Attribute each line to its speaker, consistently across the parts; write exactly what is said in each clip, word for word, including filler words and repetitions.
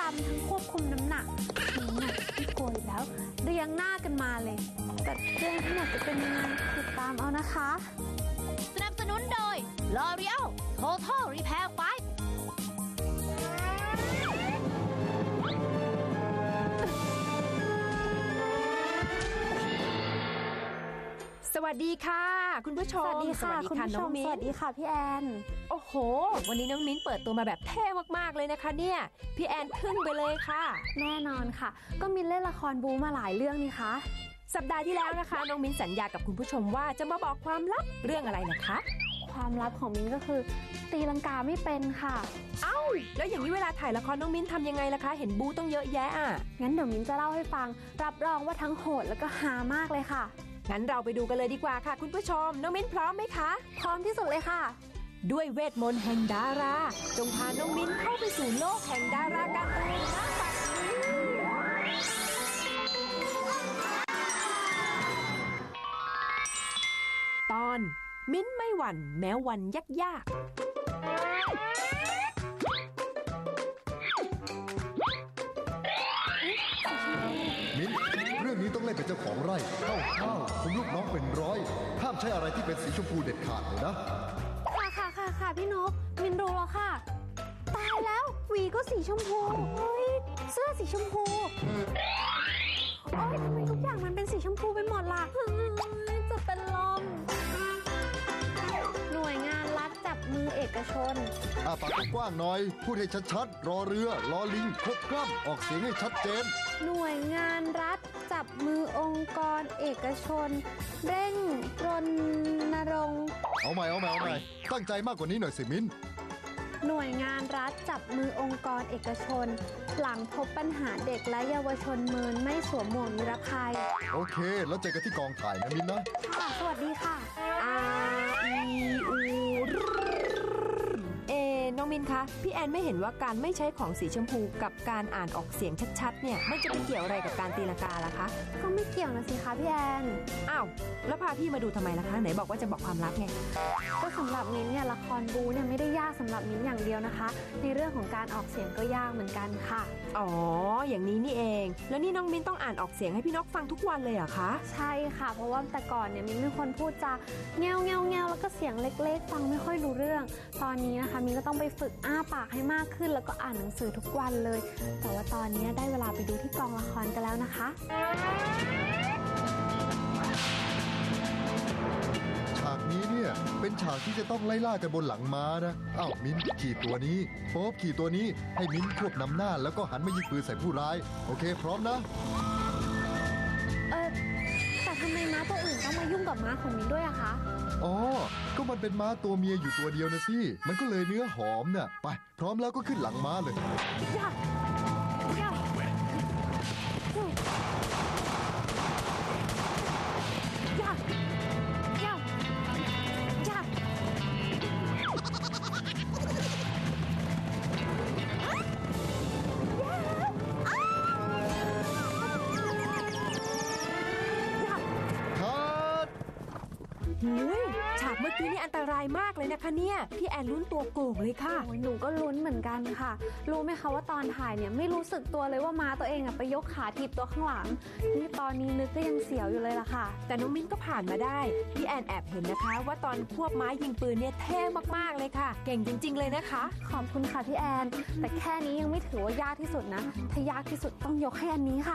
Speaker 1: ำทั้งควบคุมน้ำหนักน้ำหนักที่โกยแล้วเรียงหน้ากันมาเลย แต่เรื่องทั้งหมดจะเป็นยังไงติดตามเอานะคะ
Speaker 2: สนับสนุนโดย L'Oreal Total Repair ไฟว์
Speaker 3: สวัสดีค่ะคุณผู้ช
Speaker 1: ส
Speaker 3: ม
Speaker 1: วัสดีค่ะคุณผู้ช
Speaker 3: น้อง
Speaker 1: ม
Speaker 3: มิ้
Speaker 1: สวัน สดีค่ะพี่แอน
Speaker 3: โอ้โห วันนี้น้องมิ้นเปิดตัวมาแบบเท่มากๆเลยนะคะเนี่ยพี่แอนทึ่งไปเลยค่ะ
Speaker 1: แน่นอนค่ะ ก็มินเล่นละครบูมาหลายเรื่องนี่คะ
Speaker 3: สัปดาห์ที่แล้วนะคะน้องมิ้นสัญญากับคุณผู้ชมว่าจะมาบอกความลับเรื่องอะไรนะคะ
Speaker 1: ความลับของมินก็คือตีลังกาไม่เป็นค่ะ
Speaker 3: เอ้าแล้วอย่างนี้เวลาถ่ายละครน้องมิ้นทำยังไงล่ะคะเห็นบูต้องเยอะแยะอ่ะ
Speaker 1: งั้นเดี๋ยวมินจะเล่าให้ฟังรับรองว่าทั้งโหดแล้วก็ฮามากเลยค่ะ
Speaker 3: งั้นเราไปดูกันเลยดีกว่าค่ะคุณผู้ชมน้องมิ้นพร้อมไหมคะ
Speaker 1: พร้อมที่สุดเลยค่ะ
Speaker 3: ด้วยเวทมนต์แห่งดาราจงพาน้องมิ้นเข้าไปสู่โลกแห่งดาราการ์ตูนณบัดนี้ตอนมิ้นไม่หวั่นแม้วันยากยาก
Speaker 4: มิ้นเรื่องนี้ต้องเล่นเป็นเจ้าของไร่เข้าข้าวคุมลูกน้องเป็นร้อยห้ามใช้อะไรที่เป็นสีชมพูเด็ดขาดเลยนะ
Speaker 1: ค่ะค่ะค่ะค่ะพี่นกมินรู้แล้วค่ะ ตายแล้วหวีก็สีชมพูเฮ้ยเสื้อสีชมพูโอ๊ยทำไมทุกอย่างมันเป็นสีชมพูไปหมดล่ะเฮ้ยจะเป็นลมหน่วยงานรัฐจับมือเอกชน
Speaker 4: อาปากกว้างๆหน่อย พูดให้ชัดๆ รอเรือ รอลิงครบกล้ำออกเสียงให้ชัดเจน
Speaker 1: หน่วยงานรัฐจับมือองค์กรเอกชน เร่งรณรงค์
Speaker 4: เอาใหม่เอาใหม่เอาใหม่ตั้งใจมากกว่านี้หน่อยสิมิ้น
Speaker 1: หน่วยงานรัฐจับมือองค์กรเอกชน หลังพบปัญหาเด็กและเยาวชนเมินไม่สวมหมวกนิรภัย
Speaker 4: โอเค แล้วเจอกันที่กองถ่ายนะมิ้นนะ
Speaker 1: ค่ะสวัสดีค่ะ
Speaker 3: อาอีอูเอน้องมินคะพี่แอนไม่เห็นว่าการไม่ใช้ของสีชมพูกับการอ่านออกเสียงชัดๆเนี่ยมันจะไปเกี่ยวอะไรกับการตีลังกาล่ะคะ
Speaker 1: ก็ไม่เกี่ยวนะสิคะพี่แอน
Speaker 3: อ้าวแล้วพาพี่มาดูทำไมล่ะคะไหนบอกว่าจะบอกความลับไง
Speaker 1: ก็สำหรับมิ้นเนี่ยละครบูเนี่ยไม่ได้ยากสำหรับมิ้นอย่างเดียวนะคะ ในเรื่องของการออกเสียงก็ยากเหมือนกันค่ะ
Speaker 3: อ๋ออย่างนี้นี่เองแล้วนี่น้องมินต้องอ่านออกเสียงให้พี่นกฟังทุกวันเลยเหรอคะ
Speaker 1: ใช่ค่ะ เพราะว่าแต่ก่อนเนี่ยมิ้นเป็นคนพูดจาแงวแงวแงวแล้วก็เสียงเล็กๆ ฟังไม่ค่อยรู้เรื่อง ตอนนี้นะคะมิ้นก็ต้องไปฝึกอ้าปากให้มากขึ้น แล้วก็อ่านหนังสือทุกวันเลย แต่ว่าตอนนี้ได้เวลาไปดูที่กองละครกันแล้วนะคะ
Speaker 4: ฉากนี้เนี่ยเป็นฉากที่จะต้องไล่ล่ากันบนหลังม้านะ อ้าวมิ้นขี่ตัวนี้โป๊บขี่ตัวนี้ให้มิ้นควบนำหน้าแล้วก็หันมายิงปืนใส่ผู้ร้าย โอเค พร้อมนะ
Speaker 1: เออแต่ทำไมม้าตัวอื่นต้องมายุ่งกับม้าของมิ้นด้วยอะคะ
Speaker 4: อ๋อ ก็มันเป็นม้าตัวเมียอยู่ตัวเดียวนะสิ มันก็เลยเนื้อหอมน่ะ ไป พร้อมแล้วก็ขึ้นหลังม้าเลย
Speaker 1: ยากยากยากยากยากยาก
Speaker 4: คัด
Speaker 3: หุยฉากเมื่อกี้นี่อันตรายมากเลยนะคะเนี่ยพี่แอนลุ้นตัวโก่งเลยค่ะ
Speaker 1: โอ้ยหนูก็ลุ้นเหมือนกันค่ะ รู้ไหมคะว่าตอนถ่ายเนี่ยไม่รู้สึกตัวเลยว่าม้าตัวเองอะไปยกขาถีบตัวข้างหลัง นี่ตอนนี้นึกก็ยังเสียวอยู่เลยล่ะค่ะ
Speaker 3: แต่น้องมิ้นก็ผ่านมาได้พี่แอนแอบเห็นนะคะ ว่าตอนควบไม้ยิงปืนเนี่ยเท่มากๆเลยค่ะ เก่งจริง ๆ เลยนะคะ
Speaker 1: ขอบคุณค่ะพี่แอน แต่แค่นี้ยังไม่ถือว่ายากที่สุดนะ ถ้ายากที่สุดต้องยกให้อันนี้ค่ะ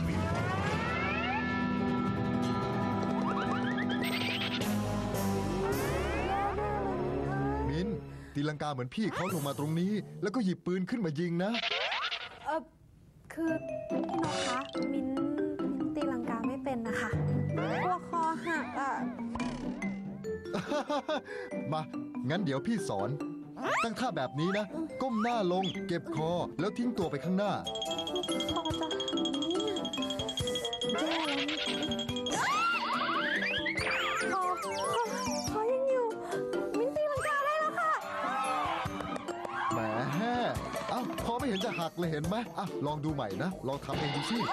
Speaker 4: มิ้นตีลังกาเหมือนพี่เขาลงมาตรงนี้ แล้วก็หยิบปืนขึ้นมายิงนะ
Speaker 1: เออคือพี่นกคะมิ้นมิ้นตีลังกาไม่เป็นนะคะกลัวคอหักอ่ะ
Speaker 4: มา งั้นเดี๋ยวพี่สอน ตั้งท่าแบบนี้นะ ก้มหน้าลง เก็บคอ แล้วทิ้งตัวไปข้างหน้า
Speaker 1: คอจะหักเนี่ยแย่แล้วนี่คอคอคอยังอยู่ มิ้นตีลังกาได้แล้วค่ะ
Speaker 4: แหมเอ้าพอไม่เห็นจะหักเลยเห็นไหมอ่ะลองดูใหม่นะ ลองทำเองดูสิ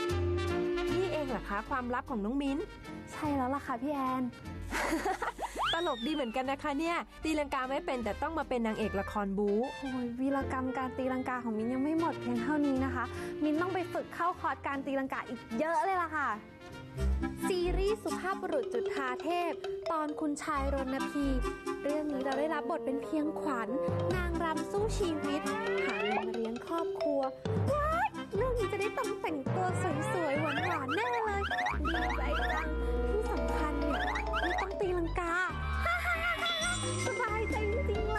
Speaker 3: นี่เองเหรอคะความลับของน้องมิ้น
Speaker 1: ใช่แล้วล่ะค่ะพี่แอน
Speaker 3: ตลกดีเหมือนกันนะคะเนี่ยตีลังกาไม่เป็นแต่ต้องมาเป็นนางเอกละครบู๊
Speaker 1: โอ้ยวีรกรรมการตีลังกาของมินยังไม่หมดเพียงเท่านี้นะคะ มินต้องไปฝึกเข้าคอร์สการตีลังกาอีกเยอะเลยล่ะค่ะ ซีรีส์สุภาพบุรุษจุฑาเทพ ตอนคุณชายรณพี เรื่องนี้เราได้รับบทเป็นเพียงขวัญ นางรำสู้ชีวิตหาเงินมาเลี้ยงครอบครัวว้ายเรื่องนี้จะได้ต้องแต่งตัวสวยๆหวานๆแน่เลยดีใจจังที่สำคัญเนี่ยไม่ต้องตีลังกา สบายใจจริงๆเลย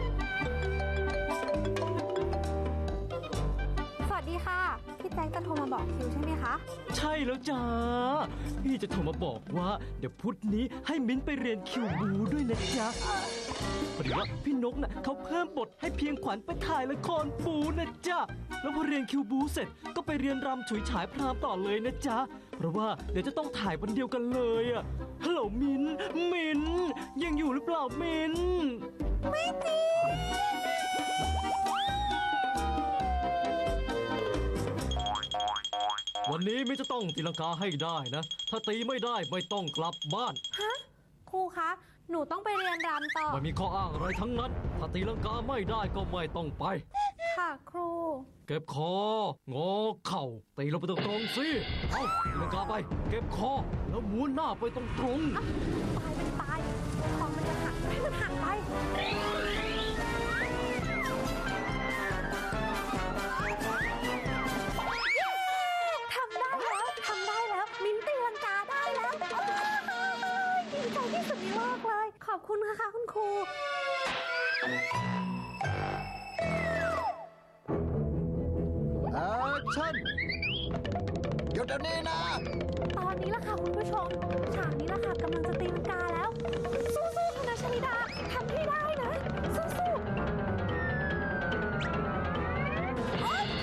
Speaker 1: สวัสดีค่ะ พี่แจ๊คจะโทรมาบอกคิวใช่ไหมคะ
Speaker 5: ใช่แล้วจ้าพี่จะโทรมาบอกว่าเดี๋ยวพุธนี้ให้มิ้นไปเรียนคิวบูด้วยนะจ๊ะพอดีว่าพี่นกน่ะเขาเพิ่มบทให้เพียงขวัญไปถ่ายละครบูนะจ๊ะแล้วพอเรียนคิวบูเสร็จก็ไปเรียนรำฉุยฉายพรามต่อเลยนะจ๊ะเพราะว่าเดี๋ยวจะต้องถ่ายวันเดียวกันเลยอะฮัลโหลมิ้นมิ้นยังอยู่หรือเปล่ามิ้นไม่จริงวันนี้มิ้นจะต้องตีลังกาให้ได้นะ ถ้าตีไม่ได้ไม่ต้องกลับบ้าน
Speaker 1: ฮะ ครูคะ หนูต้องไปเรียนรำต่อ
Speaker 5: ไม่มีข้ออ้างอะไรทั้งนั้น ถ้าตีลังกาไม่ได้ก็ไม่ต้องไป
Speaker 1: ค่ะครู
Speaker 5: เก็บคองอเข่าตีลงไปตรงๆสิ เอาตีลังกาไป เก็บคอ แล้วม้วนหน้าไปตรงตรง
Speaker 1: ตายเป็นตายคอมันจะหักให้มันหักไป ทำได้แล้ว ทำได้แล้ว มิ้นตีลังกาได้แล้วโอ้ยดีใจที่สุดในโลกเลย ขอบคุณค่ะคุณครู
Speaker 4: แอคชั่นหยุดเดี๋ยวนี้นะ
Speaker 1: ตอนนี้ล่ะค่ะคุณผู้ชม ฉากนี้ล่ะค่ะกำลังจะตีลังกาแล้ว สู้ๆคณะชลิดาทำให้ได้นะ สู้ๆโอ๊ย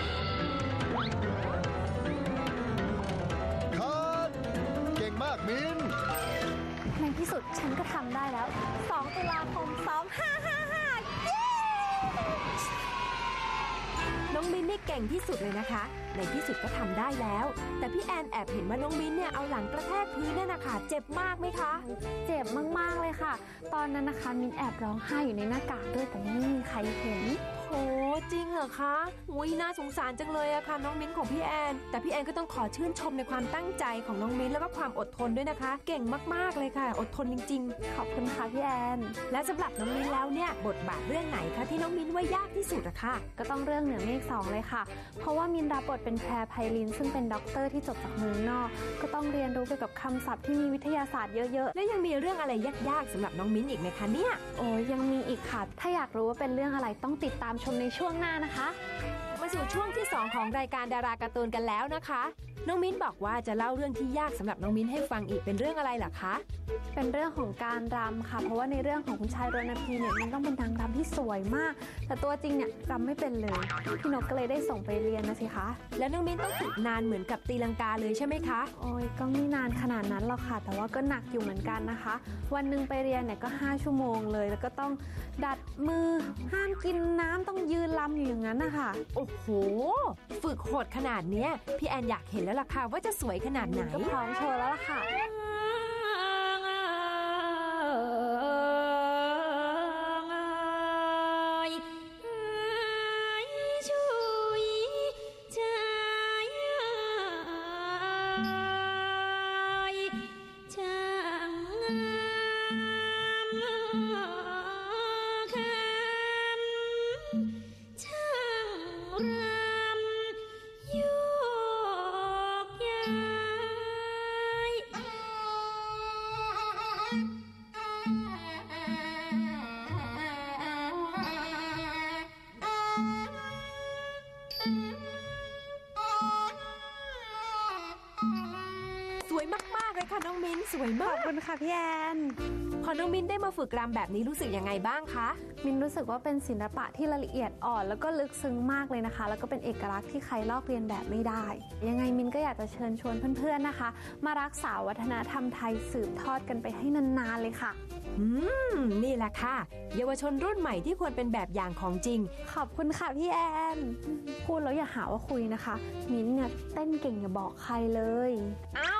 Speaker 4: คัดเก่งมากมิน
Speaker 1: ในที่สุดฉันก็ทำได้แล้ว สอง ตุลาคม สองพันห้าร้อยห้าสิบห้า เย้
Speaker 3: น้องมิ้นนี่เก่งที่สุดเลยนะคะ ในที่สุดก็ทำได้แล้ว แต่พี่แอนแอบเห็นว่าน้องมิ้นเนี่ยเอาหลังกระแทกพื้นนั่นนะคะเจ็บมากไหมคะ
Speaker 1: เจ็บมากๆเลยค่ะ ตอนนั้นนะคะมินแอบร้องไห้อยู่ในหน้ากากด้วยแต่ไม่มีใครเห็น
Speaker 3: โอ้จริงเหรอคะอุ้ยน่าสงสารจังเลยอะค่ะน้องมิ้นของพี่แอน แต่พี่แอนก็ต้องขอชื่นชมในความตั้งใจของน้องมิ้นแล้วก็ความอดทนด้วยนะคะ เก่งมากๆเลยค่ะ อดทนจริง
Speaker 1: ขอบคุณค่ะพี่แอน
Speaker 3: ๆ และสำหรับน้องมิ้นแล้วเนี่ยบทบาทเรื่องไหนคะที่น้องมิ้นว่ายากที่สุดอะค่ะ
Speaker 1: ก็ต้องเรื่องเหนือเมฆสองเลยค่ะ เพราะว่ามินรับบทเป็นแพรไพลินซึ่งเป็นด็อกเตอร์ที่จบจากเมืองนอก ก็ต้องเรียนรู้เกี่ยวกับคำศัพท์ที่มีวิทยาศาสตร์เยอะ
Speaker 3: และยังมีเรื่องอะไรยากๆสำหรับน้องมิ้นอีกไหมคะเนี่ย
Speaker 1: ๆ โอ้ยยังมีอีกค่ะ ถ้าอยากรู้ว่าเป็นเรื่องอะไรต้องติดตามชมในช่วงหน้านะคะ
Speaker 3: มาสู่ช่วงที่สองของรายการดาราการ์ตูนกันแล้วนะคะ น้องมิ้นบอกว่าจะเล่าเรื่องที่ยากสำหรับน้องมิ้นให้ฟังอีกเป็นเรื่องอะไรล่ะคะ
Speaker 1: เป็นเรื่องของการรำค่ะ เพราะว่าในเรื่องของคุณชายรณพีเนี่ยมันต้องเป็นนางรำที่สวยมาก แต่ตัวจริงเนี่ยรำไม่เป็นเลย พี่นกก็เลยได้ส่งไปเรียนนะสิคะ
Speaker 3: แล้วน้องมิ้นต้องฝึกนานเหมือนกับตีลังกาเลยใช่ไหมคะ
Speaker 1: โอ้ยก็ไม่นานขนาดนั้นหรอกค่ะ แต่ว่าก็หนักอยู่เหมือนกันนะคะ วันหนึ่งไปเรียนเนี่ยก็ห้าชั่วโมงเลย แล้วก็ต้องดัดมือห้ามกินน้ำต้องยืนรำอยู่อย่างนั้นนะคะ
Speaker 3: โอ้โห ฝึกโหดขนาดเนี้ยพี่แอนอยากเห็นแล้วล่ะค่ะว่าจะสวยขนาดไหน
Speaker 1: ก็พร้อมโชว์แล้วล่ะค่ะ
Speaker 3: สวยมากๆเลยค่ะน้องมิ้นสวย
Speaker 1: ข
Speaker 3: มา
Speaker 1: อก บคุณค่ะพี่แอน
Speaker 3: พอน้องมิ้นได้มาฝึกรำแบบนี้รู้สึกยังไงบ้างคะ
Speaker 1: มินรู้สึกว่าเป็นศิลปะที่ละเอียดอ่อนแล้วก็ลึกซึ้งมากเลยนะคะ แล้วก็เป็นเอกลักษณ์ที่ใครลอกเลียนแบบไม่ได้ ยังไงมินก็อยากจะเชิญชวนเพื่อนๆนะคะ มารักษาวัฒนธรรมไทยสืบทอดกันไปให้นานๆเลยค่ะ
Speaker 3: อืมนี่แหละค่ะ เยาวชนรุ่นใหม่ที่ควรเป็นแบบอย่างของจริง
Speaker 1: ขอบคุณค่ะพี่แอน พูดแล้วอย่าหาว่าคุยนะคะ มิ้นท์เนี่ยเต้นเก่งอย่าบอกใครเลย
Speaker 3: อ้าว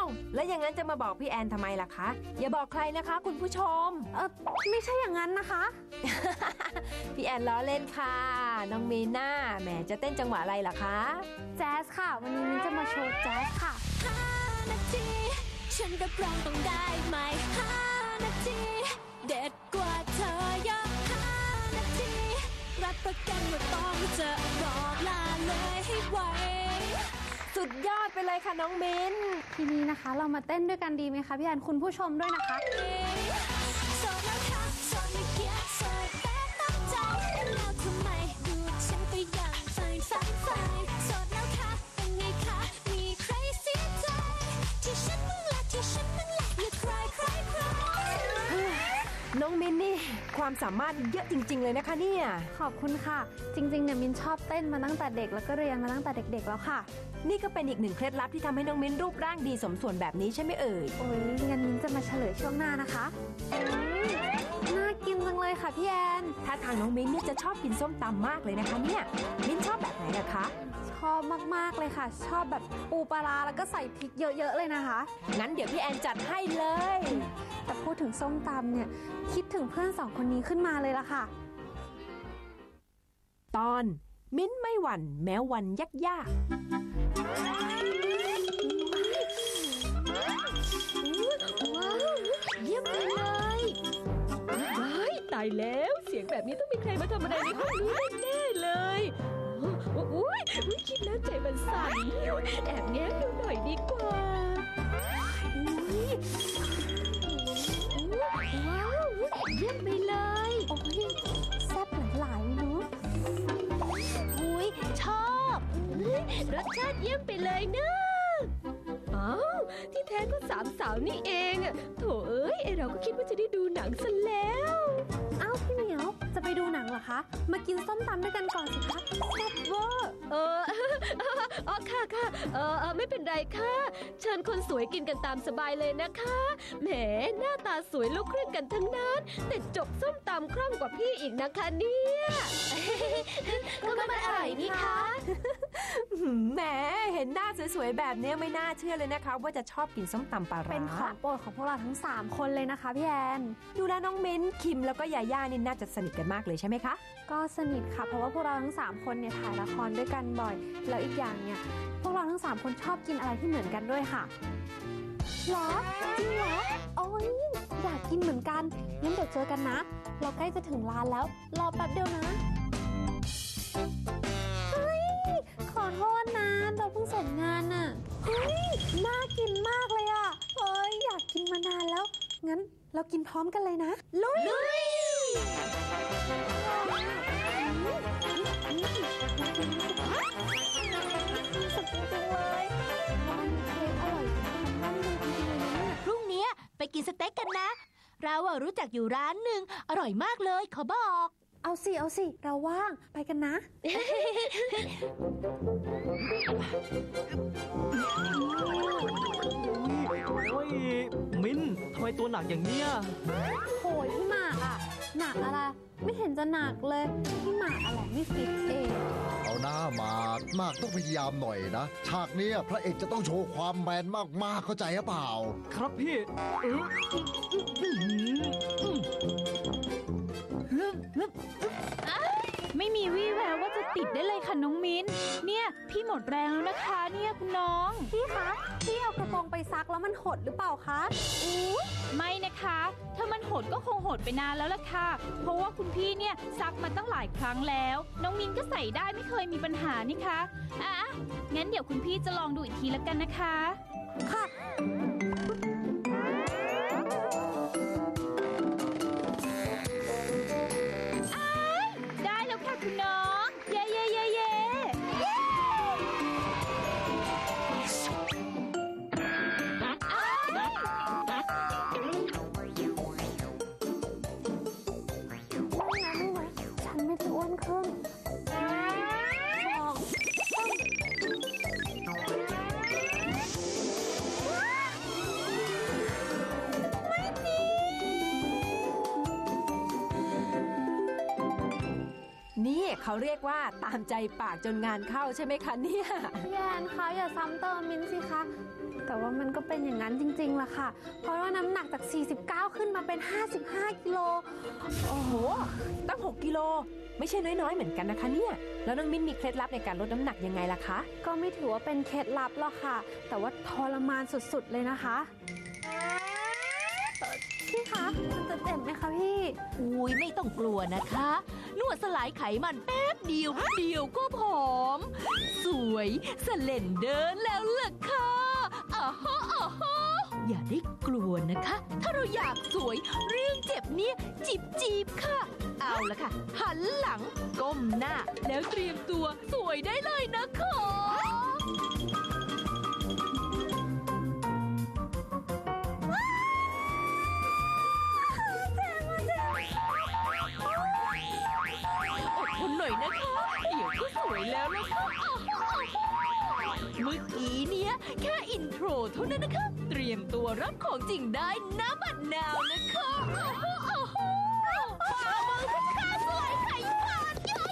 Speaker 3: แล้วอย่างนั้นจะมาบอกพี่แอนทำไมล่ะคะ อย่าบอกใครนะคะ คุณผู้ชม
Speaker 1: เออไม่ใช่อย่างนั้นนะคะ
Speaker 3: พี่แอนล้อเล่นค่ะ น้องมีน่าแหมจะเต้นจังหวะอะไรล่ะคะ
Speaker 1: แจ๊สค่ะ วันนี้มิ้นจะมาโชว์แจ๊สค่ะ
Speaker 2: ห้านาทีฉันรับรองต้องได้ไหมห้านาทีเด็ดกว่าเธอเยอะห้านาทีรับประกันว่าต้องเจอบอกลาเลยให้ไว
Speaker 3: สุดยอดไปเลยค่ะน้องมิน
Speaker 1: ทีนี้นะคะเรามาเต้นด้วยกันดีไหมคะพี่แอนคุณผู้ชมด้วยนะคะ
Speaker 2: โสดแล้วค่ะโสดไม่เกียดโสดแต่ตั้งใจแล้วทำไมดูฉันก็ยังใฝ่ฝันใฝ่โสดแล้วค่ะเป็นไงคะมีใครเสียใจที่ฉันมึงละที่ฉันมึงละอย่าใครใครใคร
Speaker 3: น้องมินนี่ความสามารถเยอะจริง ๆ เลยนะคะเนี่ย
Speaker 1: ขอบคุณค่ะ จริงๆเนี่ยมินชอบเต้นมาตั้งแต่เด็กแล้วก็เรียนมาตั้งแต่เด็ก ๆ แล้วค่ะ
Speaker 3: นี่ก็เป็นอีกหนึ่งเคล็ดลับที่ทำให้น้องมินรูปร่างดีสมส่วนแบบนี้ใช่ไหมเอ่ย
Speaker 1: โอ้ยงั้นมินจะมาเฉลยช่วงหน้านะคะอืมน่ากินจังเลยค่ะพี่แอน
Speaker 3: ถ้าทางน้องมินเนี่ยจะชอบกินส้มตำมากเลยนะคะเนี่ยมินชอบแบบไหนล่ะคะ
Speaker 1: ชอบมากๆเลยค่ะ ชอบแบบปูปลาร้าแล้วก็ใส่พริกเยอะๆเลยนะคะ
Speaker 3: งั้นเดี๋ยวพี่แอนจัดให้เลย
Speaker 1: แต่พูดถึงส้มตำเนี่ยคิดถึงเพื่อนสองคนนี้ขึ้นมาเลยล่ะค่ะ
Speaker 3: ตอนมิ้นไม่หวั่นแม้วันยากยาก
Speaker 2: ว้าวเยี่ยมไปเลยว้ายตายแล้วเสียงแบบนี้ต้องมีใครมาทำอะไรในห้องนี้แน่ๆเลยโอ้โหอุ๊ยคิดแล้วใจมันสั่นแอบแง้มดูหน่อยดีกว่าอุ๊ยว้าวเยี่ยมไปเลย
Speaker 1: โอ้ยแซ่บหลายๆเนาะ
Speaker 2: อุ้ยชอบอุ๊ยรสชาติเยี่ยมไปเลยเนอะอ้าวที่แท้ก็สามสาวนี่เองอะโถเอ้ยไอเราก็คิดว่าจะได้ดูหนังซะแล้ว
Speaker 1: เอ้าพี่เหมียวจะไปดูหนังเหรอคะ มากินส้มตำด้วยกันก่อนสิคะแซ่บเวอร์
Speaker 2: เออ อ๋อค่ะค่ะเออเออไม่เป็นไรค่ะ เชิญคนสวยกินกันตามสบายเลยนะคะ แหมหน้าตาสวยลูกครึ่งกันทั้งนั้น แต่จกส้มตำคล่องกว่าพี่อีกนะคะเนี่ย ก็มันอร่อยนี่คะ
Speaker 3: หืมแหมเห็นหน้าสวยๆแบบเนี้ยไม่น่าเชื่อเลยนะคะ ว่าจะชอบกินส้มตำปลาร้า
Speaker 1: เป็นของโปรดของพวกเราทั้งสามคนเลยนะคะพี่แอน
Speaker 3: ดูแลน้องมิ้นคิมแล้วก็ยาย่านี่น่าจะสนิทกันมากเลยใช่ไหมคะ
Speaker 1: ก็สนิทค่ะ เพราะว่าพวกเราทั้งสามคนเนี่ยถ่ายละครด้วยกันบ่อย แล้วอีกอย่างเนี่ยพวกเราทั้งสามคนชอบกินอะไรที่เหมือนกันด้วยค่ะหรอจริงเหรอโอ้ยอยากกินเหมือนกันงั้นเดี๋ยวเจอกันนะ เราใกล้จะถึงร้านแล้วรอแป๊บเดียวนะเฮ้ยขอโทษนะเราเพิ่งเสร็จงานน่ะเฮ้ยน่ากินมากเลยอ่ะเฮ้ยอยากกินมานานแล้วงั้นเรากินพร้อมกันเลยนะลุย สุดจริงๆเลยมันเค้กอร่อยจังมันดีจริงๆเลยนะเนี่ย
Speaker 2: พรุ่งนี้ไปกินสเต็กกันนะ เราอะรู้จักอยู่ร้านหนึ่งอร่อยมากเลยขอบอก
Speaker 1: เอาสิ เอาสิ เราว่าง ไปกันนะ
Speaker 5: โอ้ยมิ้นทำไมตัวหนักอย่างเนี้ย
Speaker 1: โหยพี่หมากอะหนักอะไร ไม่เห็นจะหนักเลย พี่หมากอะไรไม่ฟิตเอง
Speaker 4: เอาหน้าหมากหมากต้องพยายามหน่อยนะ ฉากเนี้ยพระเอกจะต้องโชว์ความแมนมากๆเข้าใจหรือเปล่า
Speaker 5: ครับพี่เอออื้อหืออื้อ
Speaker 6: ไม่มีวี่แววว่าจะติดได้เลยค่ะน้องมิ้น เนี่ยพี่หมดแรงแล้วนะคะเนี่ยคุณน้อง
Speaker 1: พี่คะ พี่เอากระโปรงไปซักแล้วมันหดหรือเปล่าคะ
Speaker 6: อู้ไม่นะคะ ถ้ามันหดก็คงหดไปนานแล้วล่ะค่ะ เพราะว่าคุณพี่เนี่ยซักมาตั้งหลายครั้งแล้ว น้องมิ้นก็ใส่ได้ไม่เคยมีปัญหานี่คะอ่ะงั้นเดี๋ยวคุณพี่จะลองดูอีกทีแล้วกันนะคะ
Speaker 1: ค่ะ
Speaker 6: ได้แล้วค่ะคุณน้อง เย่เย่เย่เย่อ้าย
Speaker 1: ไม่นะไม่นะฉันไม่ได้อ้วนขึ้นสอง
Speaker 3: นี่เขาเรียกว่าตามใจปากจนงานเข้าใช่ไหมคะเนี่ย
Speaker 1: พี่แอนคะอย่าซ้ำเติมมินสิคะแต่ว่ามันก็เป็นอย่างนั้นจริงๆล่ะค่ะ เพราะว่าน้ำหนักจาก สี่สิบเก้า ขึ้นมาเป็น ห้าสิบห้า กิโล
Speaker 3: โอ้โห ตั้ง หก กิโล ไม่ใช่น้อยๆ เหมือนกันนะคะเนี่ย แล้วน้องมิ้นมีเคล็ดลับในการลดน้ำหนักยังไงล่ะคะ
Speaker 1: ก็ไม่ถือว่าเป็นเคล็ดลับหรอกค่ะ แต่ว่าทรมานสุดๆเลยนะคะเอ่อพี่คะมันจะเจ็บไหมคะพี่
Speaker 2: อุ้ยไม่ต้องกลัวนะคะ นวดสลายไขมันแป๊บเดียวเดียวก็ผอม สวยสเลนเดินแล้วล่ะค่ะอ่าฮะอ่าฮะอย่าได้กลัวนะคะ ถ้าเราอยากสวยเรื่องเจ็บเนี่ยจีบจีบค่ะ เอาละค่ะ หันหลังก้มหน้า แล้วเตรียมตัวสวยได้เลยนะคะ อดทนหน่อยนะคะ เดี๋ยวก็สวยแล้วนะคะเมื่อกี้เนี้ยแค่อินโทรเท่านั้นนะคะ เตรียมตัวรับของจริงได้น้ำบัดนาวนะคะโอ้โหฝ่ามือคุณค่าสวยไข่ปาดเยอะ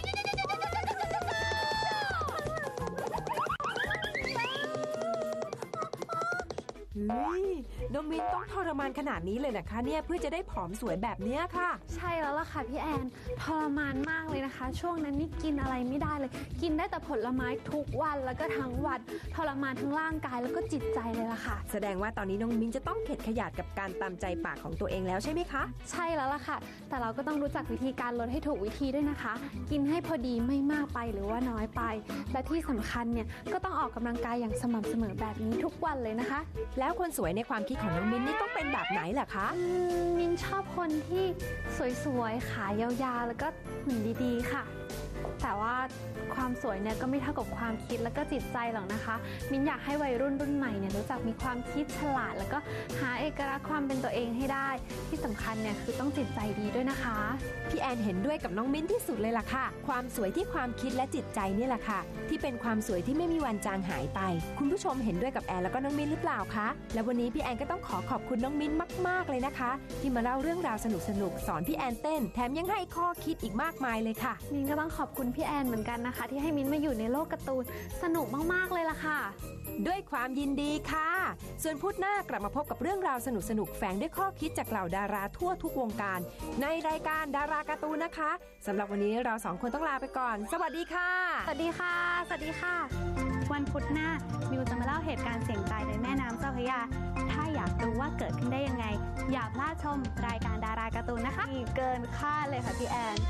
Speaker 3: เฮ้ย น้องมิ้นต้องทรมานขนาดนี้เลยนะคะเนี่ยเพื่อจะได้ผอมสวยแบบเนี้ยค่ะ
Speaker 1: ใช่แล้วล่ะค่ะพี่แอนทรมานมากเลยนะคะ ช่วงนั้นนี่กินอะไรไม่ได้เลย กินได้แต่ผลไม้ทุกวันแล้วก็ทั้งวันทรมานทั้งร่างกายแล้วก็จิตใจเลยล่ะค่ะ
Speaker 3: แสดงว่าตอนนี้น้องมิ้นจะต้องเข็ดขยาดกับการตามใจปากของตัวเองแล้วใช่ไหมคะ
Speaker 1: ใช่แล้วล่ะค่ะ แต่เราก็ต้องรู้จักวิธีการลดให้ถูกวิธีด้วยนะคะ กินให้พอดีไม่มากไปหรือว่าน้อยไป และที่สำคัญเนี่ยก็ต้องออกกำลังกายอย่างสม่ำเสมอแบบนี้ทุกวันเลยนะคะ
Speaker 3: แล้วคนสวยในความคิดของน้องมิ้นนี่ต้องเป็นแบบไหนล่ะคะ
Speaker 1: อืมมินชอบคนที่สวยๆ ขายาวๆ แล้วก็หุ่นดีๆ ค่ะ แต่ว่าความสวยเนี่ยก็ไม่เท่ากับความคิดแล้วก็จิตใจหรอกนะคะ มินอยากให้วัยรุ่นรุ่นใหม่เนี่ยรู้จักมีความคิดฉลาด แล้วก็หาเอกลักษณ์ความเป็นตัวเองให้ได้ ที่สำคัญเนี่ยคือต้องจิตใจดีด้วยนะคะ
Speaker 3: พี่แอนเห็นด้วยกับน้องมิ้นที่สุดเลยล่ะค่ะ ความสวยที่ความคิดและจิตใจนี่แหละค่ะ ที่เป็นความสวยที่ไม่มีวันจางหายไป คุณผู้ชมเห็นด้วยกับแอนแล้วก็น้องมิ้นหรือเปล่าคะ และวันนี้พี่แอนก็ต้องขอขอบคุณน้องมิ้นมากๆเลยนะคะ ที่มาเล่าเรื่องราวสนุกๆสอนพี่แอนเต้นแถมยังให้ข้อคิดอีกมากมายเลยค่ะ
Speaker 1: มินก็ต้องขอบคุณพี่แอนเหมือนกันนะคะ ที่ให้มินมาอยู่ในโลกการ์ตูนสนุกมากๆเลยล่ะค่ะ
Speaker 3: ด้วยความยินดีค่ะ ส่วนพุธหน้ากลับมาพบกับเรื่องราวสนุกๆแฝงด้วยข้อคิดจากเหล่าดาราทั่วทุกวงการ ในรายการดาราการ์ตูนนะคะสำหรับวันนี้เราสองคนต้องลาไปก่อน สวัสดีค่ะ
Speaker 1: สวัสดีค่ะ สวัสดีค่ะ วันพุธหน้ามิวจะมาเล่าเหตุการณ์เสี่ยงตายในแม่น้ำเจ้าพระยา ถ้าอยากรู้ว่าเกิดขึ้นได้ยังไง อย่าพลาดชมรายการดาราการ์ตูนนะคะมีเกินคาดเลยค่ะพี่แอน